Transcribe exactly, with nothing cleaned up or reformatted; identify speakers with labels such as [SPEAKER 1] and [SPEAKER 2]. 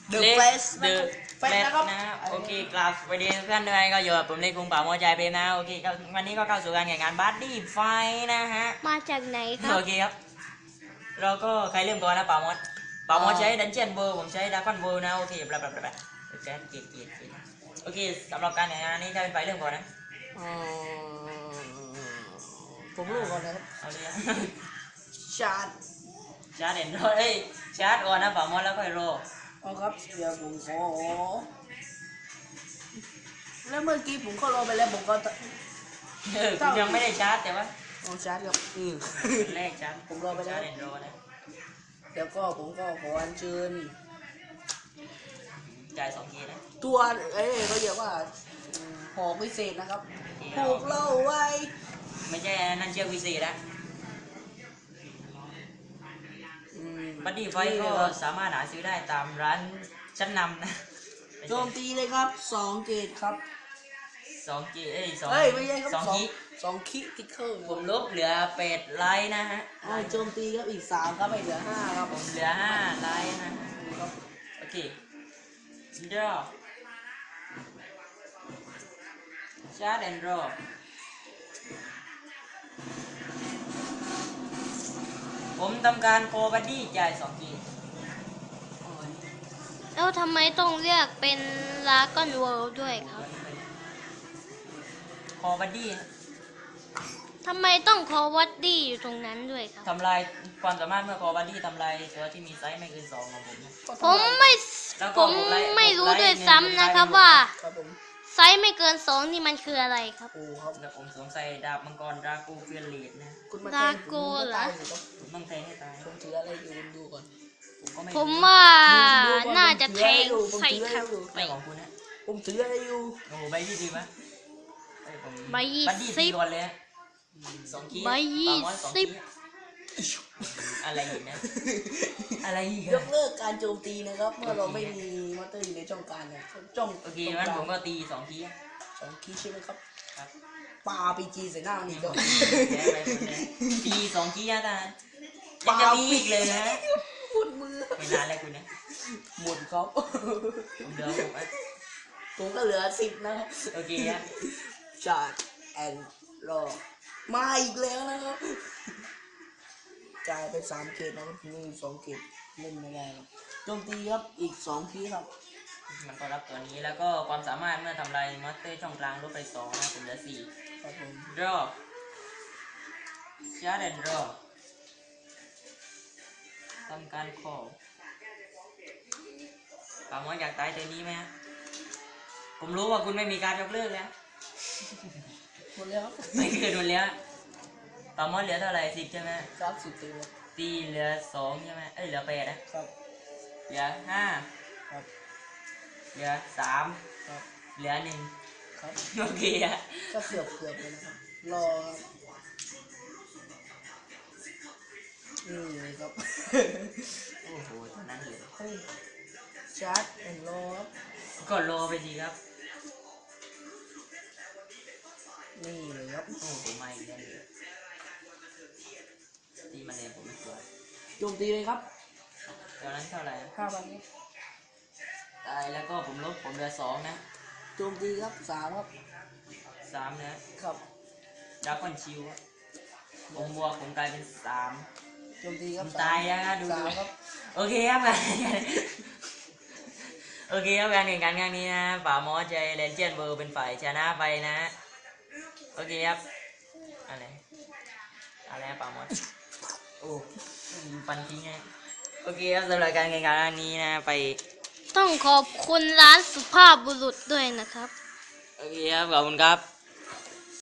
[SPEAKER 1] The
[SPEAKER 2] เล็ก
[SPEAKER 1] Face
[SPEAKER 2] เดอะ
[SPEAKER 1] เฟ
[SPEAKER 2] เฟ
[SPEAKER 1] ส
[SPEAKER 2] ส
[SPEAKER 1] นะครับ
[SPEAKER 2] นะโอเคกราบสวัสดีทุกท่านด้วยก็อยู่กับผมเล็กกรุงป่าโมใจเปรมนะโอเคก็วันนี้ก็เข้าสู่การแข่งขันบัดดี้ไฟนะฮะ
[SPEAKER 3] มาจากไหนครับ
[SPEAKER 2] โอเคครับเราก็ใครเริ่มก่อนนะป่ามดป่ามดใช้ดันเจียนเบอร์ผมใช้ดาร์คอนเบอร์นะโอเคบลาบลาบลาโอเคเกียร์เกียร์เกียร์โอเคสำหรับการแข่งขันนี้ถ้าเป็นไฟเริ่มก่อนนะ
[SPEAKER 1] อ๋อผมรู้ก่อนนะครับ
[SPEAKER 2] เอาเลย
[SPEAKER 1] ชาร์จ
[SPEAKER 2] ชาร์จเด่นด้วยเอ้ยชาร์จก่อนนะป่ามดแล้วค่อยโร
[SPEAKER 1] เอาครับเดี๋ยวผมขอแล้วเมื่อกี้ผมเข้ารอไปแล้วผมก็
[SPEAKER 2] เออคุณยังไม่ได้ชาร์จแต่ว่า
[SPEAKER 1] เอาชาร์จครับอือ
[SPEAKER 2] แรกชาร์จ
[SPEAKER 1] ผมรอไปแล้ว
[SPEAKER 2] ชาร์จเด่นโรนะ
[SPEAKER 1] เดี๋ยวก็ผมก็ขออัญเชิญ
[SPEAKER 2] จ่ายสองทีนะ
[SPEAKER 1] ตัวเอ้ยเขาเรียกว่าอืมหอกพิเศษนะครับผูกเล่าไว้
[SPEAKER 2] ไม่ใช่นั่นเชือกวิเศษนะ
[SPEAKER 1] อืม
[SPEAKER 2] บัดดี้ไฟก็สามารถหาซื้อได้ตามร้านชั้นนำนะ
[SPEAKER 1] โจมตีเลยครับสองเกตครับ
[SPEAKER 2] สองกีเอ้ยสอง
[SPEAKER 1] เอ้ยไม่ใช่ครับ
[SPEAKER 2] สอง
[SPEAKER 1] สอง
[SPEAKER 2] กี
[SPEAKER 1] สองคิทิกเกอร์
[SPEAKER 2] ผมลบเหลือเป็ดไลท์นะฮะ
[SPEAKER 1] อ่าโจมตีครับอีกสามครับไม่เหลือห้าครับ
[SPEAKER 2] ผมเหลือห้าไลท์นะฮะ
[SPEAKER 1] ครับ
[SPEAKER 2] โอเคเดรอชาร์ดแอนด์รอผมทำการโคบัดดี้จ่ายสองกี
[SPEAKER 3] แล้วทำไมต้องเลือกเป็นลาก้อนเวิลด์ด้วยครับ
[SPEAKER 2] โคบัดดี้
[SPEAKER 3] ทำไมต้องคอวัดดี้อยู่ตรงนั้นด้วยครับ
[SPEAKER 2] ทำลายความสามารถเมื่อโคบัดดี้ทำลายตัวที่มีไซส์ไม่เกินสองของผมนะ
[SPEAKER 3] ผมไม่
[SPEAKER 2] แล้วก็
[SPEAKER 3] ผม
[SPEAKER 2] หกไลท์
[SPEAKER 3] ไม่รู้
[SPEAKER 2] หกไลท์
[SPEAKER 3] ด้วยซ้ำนะครับ
[SPEAKER 2] หนึ่งไลท์
[SPEAKER 3] ว่า
[SPEAKER 1] ครับผม
[SPEAKER 3] ไซส์ไม่เกินสองนี่มันคืออะไรครับ
[SPEAKER 1] โอ้ครับ
[SPEAKER 2] แล้วผมสวมใส่ดาบมังกรดรากูเฟียเลดนะ
[SPEAKER 1] คุณมา
[SPEAKER 3] ดา
[SPEAKER 1] แทง
[SPEAKER 3] โก
[SPEAKER 1] ผม
[SPEAKER 3] เหรอ
[SPEAKER 1] ตายสิครับ
[SPEAKER 2] ผมต้องแทงให้ตาย
[SPEAKER 1] ผมถืออะไรอยู่ดูก่อน
[SPEAKER 2] ผมก็ไม่
[SPEAKER 3] ผม
[SPEAKER 2] รู้
[SPEAKER 3] ว่า
[SPEAKER 1] ดูก่อน
[SPEAKER 3] น่าจะแทง
[SPEAKER 1] ผมถือ
[SPEAKER 3] ใส่
[SPEAKER 1] ให้
[SPEAKER 3] ครับ
[SPEAKER 1] ดู
[SPEAKER 2] ไม่ของคุณนะ
[SPEAKER 1] ผมถืออะไรอยู่
[SPEAKER 2] โอ้โหใบยี่สิบวะเอ้ยผม
[SPEAKER 3] ใบยี่
[SPEAKER 2] บัดดี้
[SPEAKER 3] สิ
[SPEAKER 2] ตี
[SPEAKER 3] บ
[SPEAKER 2] ก่อนเลยฮะสองคี
[SPEAKER 3] ใบยี่
[SPEAKER 2] ปาม้อยสอง
[SPEAKER 3] สิ
[SPEAKER 2] คี
[SPEAKER 3] บ
[SPEAKER 2] อะไรอีกนะ อะไรอีก
[SPEAKER 1] ย
[SPEAKER 2] อะ
[SPEAKER 1] กเลิกการโจมตีนะครับ เมื่อเราไม่มีมอเตอร์อยู่ในช่องกลางเนี่ยจ้อง
[SPEAKER 2] โอเคงั้นผมก็ตีสองคีอะ
[SPEAKER 1] สองคีย์ใช่ไหมครับ
[SPEAKER 2] ครับ
[SPEAKER 1] ปาปีจีใส่หน้ามันอีกแล้ว
[SPEAKER 2] แพ้ไปหมดเลยตีสองคีอะตายังจะมีอีกเลยนะ
[SPEAKER 1] ปวดมือ
[SPEAKER 2] ไม่นานแล้วคุณนะ
[SPEAKER 1] หมดครับ
[SPEAKER 2] ผมเดินผมอะ
[SPEAKER 1] ผมก็เหลือสิบนะครับ
[SPEAKER 2] โอเคฮะ
[SPEAKER 1] ชาร์จแอนรอมาอีกแล้วนะครับจ่ายไปสามเกตนะครับนี่สองเกตเล่นไม่ได้ครับโจมตีครับอีกสองคีย์ครับ
[SPEAKER 2] มันก็รับตัวนี้แล้วก็ความสามารถเมื่อทำลายมอสเตอร์ช่องกลางลดไปสองนะผมเหลือสี่
[SPEAKER 1] ครับผม
[SPEAKER 2] draw ชาร์ดแอนด์ draw ทำการ call ถามว่าอยากตายตัวนี้ไหมฮะผมรู้ว่าคุณไม่มีการยกเลิกแล้ว
[SPEAKER 1] หมดแล้ว
[SPEAKER 2] ไม่เกินหมดแล้วปามอสเหลือเท่าไหร่สิบใช่ไหม
[SPEAKER 1] สามสิบตีครับ
[SPEAKER 2] ตีเหลือสองใช่ไหมเอ้ยเหลือแปดนะครับ เหลือห้า
[SPEAKER 1] ครับ
[SPEAKER 2] เหลือสาม
[SPEAKER 1] ครับ
[SPEAKER 2] เหลือหนึ่ง
[SPEAKER 1] ครับ
[SPEAKER 2] โอเคอะ
[SPEAKER 1] ก็เกือบเกือบเลยนะครับรอครับนี่เลยครับ
[SPEAKER 2] โอ้โหเท่านั้นเลย
[SPEAKER 1] เฮ้ยชาร์จแอนรอครับ
[SPEAKER 2] ก็รอไปสิครับ
[SPEAKER 1] นี่เลยครับ
[SPEAKER 2] โอ้โหไม่อีกแล้วเลยตีมาเลยผมไม่กลัว
[SPEAKER 1] โจมตีเลยครับ
[SPEAKER 2] ตอนนั้นเท่าไหร่
[SPEAKER 1] ห้าพันครับ
[SPEAKER 2] ตายแล้วก็ผมลบผมเหลือสองนะ
[SPEAKER 1] โจมตีครับสามครับ
[SPEAKER 2] สามนะครับ ดราก้อนชิวอะผมบวกผมกลายเป็นสาม
[SPEAKER 1] โจมตีค
[SPEAKER 2] ผ
[SPEAKER 1] รับ
[SPEAKER 2] มตายแล้วนะดู
[SPEAKER 1] สา
[SPEAKER 2] ดู
[SPEAKER 1] มครับ
[SPEAKER 2] โอเคครับ การโอเคครับการแข่งขันครั้งนี้นะป่ามอสใจเลนเจนเบอร์เป็นฝ่ายชนะไปนะโอเคครับอะไรอะไรนะป่ามอสโอ้ฟันทิ้งไงโอเคครับสำหรับการแข่งขันครั้งนี้นะไป
[SPEAKER 3] ต้องขอบคุณร้านสุภาพบุรุษด้วยนะครับ
[SPEAKER 2] โอเคครับขอบคุณครับ